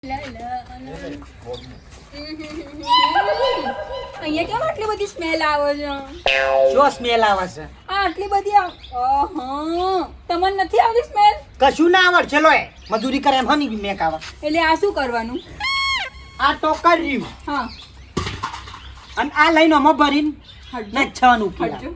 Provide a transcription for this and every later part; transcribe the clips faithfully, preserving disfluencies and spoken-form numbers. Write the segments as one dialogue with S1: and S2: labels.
S1: અહીંયા કેમ આટલી બધી સ્મેલ આવે છે?
S2: શું સ્મેલ આવે છે?
S1: આ આટલી બધી આવ- ઓહો, તમને નથી આવતી સ્મેલ?
S2: કશું ના આવડ ચલો એ મજૂરી કરે એમ હની મેક આવે.
S1: એટલે આ શું કરવાનું?
S2: આ તો કર્યું
S1: હા,
S2: અને આ લઈને આમાં ભરીને
S1: હટજો,
S2: ને છવાનું પીડા.
S1: હટજો.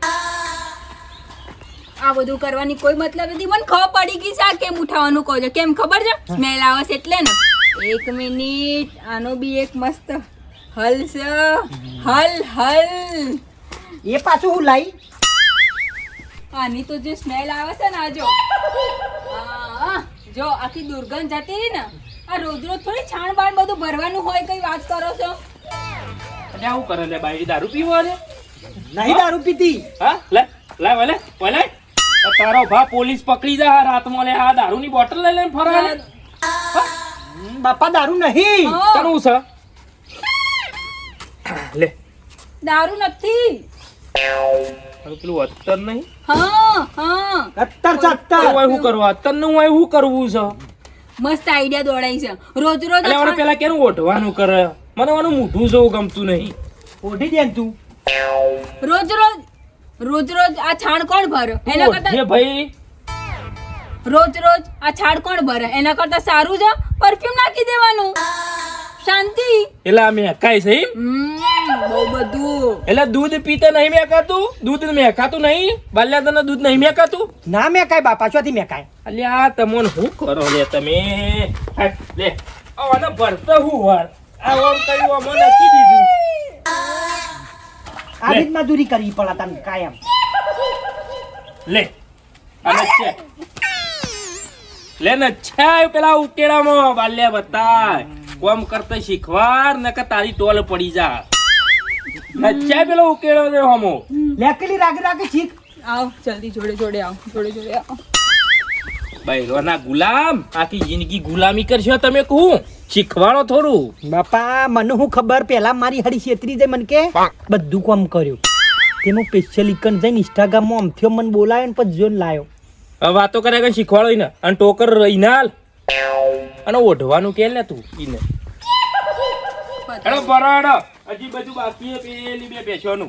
S1: આ બધું કરવાની કોઈ મતલબ નથી. મને ખબર પડી ગઈ છે આ કેમ ઉઠાવવાનું કહો છો. કેમ ખબર છે? સ્મેલ આવે છે એટલે ને. એક મિનિટ, આનો બી એક મસ્ત હલ છે. હલ હલ
S2: એ પાછું હું લાઈ
S1: આની તો જે સ્મેલ આવે છે ને, આ જો આ, જો આખી દુર્ગંધ જતી રહી ને. આ રોજ રોજ થોડી છાણ બાણ બધું ભરવાનું હોય. કઈ વાત કરો છો?
S3: એટલે આવું કરે લે બાઈ દારૂ પીવો છે
S2: નહીં દારૂ પીતી.
S3: હા લે લે વલે વલે આ તારો ભા પોલીસ પકડી જા રાતમાં લે આ દારૂની બોટલ લઈ લઈને ફરે લે
S2: હમ, બાપા દારૂ નહીં.
S1: હા,
S3: તનું છે લે
S1: દારૂ નથી.
S3: તારું પેલું અત્તર નહીં
S1: હા હા,
S2: સત્તર સત્તર
S3: ઓય હું કરવા અત્તર નું ઓય હું કરવું છે
S1: મસ્ત આઈડિયા દોડાઈ છે. રોજ રોજ
S3: એટલે
S1: આ
S3: મને
S1: છાણ-
S3: પેલા કેનું ઓઢવાનું કરે મને ઓનું મોઢું જોવું ગમતું નહીં
S2: ઓઢી દે ને તું.
S1: રોજ રોજ રોજ રોજ આ છાણ કોણ ભરે? એના
S3: ઓઢે
S1: કરતા
S3: ભાઈ
S1: રોજ રોજ આ છાણ કોણ ભરે? એના કરતા સારું છે પરફ્યુમ નાખી દેવાનું. શાંતિ.
S3: એટલે આ મેકાય છે એમ?
S1: હમ, બહુ બધું.
S3: એટલે દૂધ પીતે નહીં મેકાતું દૂધ મેકાતું નહીં બાલ્યા તને દૂધ નહીં મેકાતું
S2: ના મેકાય બાપા ચોથી મેકાય.
S3: અલ્યા તમોન હું કરો લે તમે હા, લે આને ભરતો હું વાર આ ઓમ કર્યું અમને નક્કી દીધું
S2: આવી જ મજૂરી કરવી પડે તને કાયમ.
S3: લે અને છે લે ને છે પેલા ઉકેડામાં બાલ્યા બતાય કોમ કરતા શીખવાર નકર તારી ટોલ પડી જા નચ્યા પેલો ઉકેડો રે હમો
S2: લેકેલી રાગે રાગે શીખ.
S1: આવ જલ્દી, જોડે જોડે આવ, જોડે જોડે આવ.
S3: બૈરોના ગુલામ આખી જિંદગી ગુલામી કરશો તમે કહું શીખવાડો થોડું
S2: બાપા મને હું ખબર પેલા મારી હરી છેતરી જાય મને કે બધું કામ કર્યું તેનું સ્પેશિયલ ઇકન જઈને ઇન્સ્ટાગ્રામમાં અમથ્યો મને બોલાયો ને પછી જોઈને લાયો.
S3: હવે વાતો કરે કે શીખવાડો ઈને અને ટોકર રહીને હાલ અને ઓઢવાનું કે લે તું ઈને હેડો બરાડો હજી બધું બાકી છે પેલી બે બેસવાનું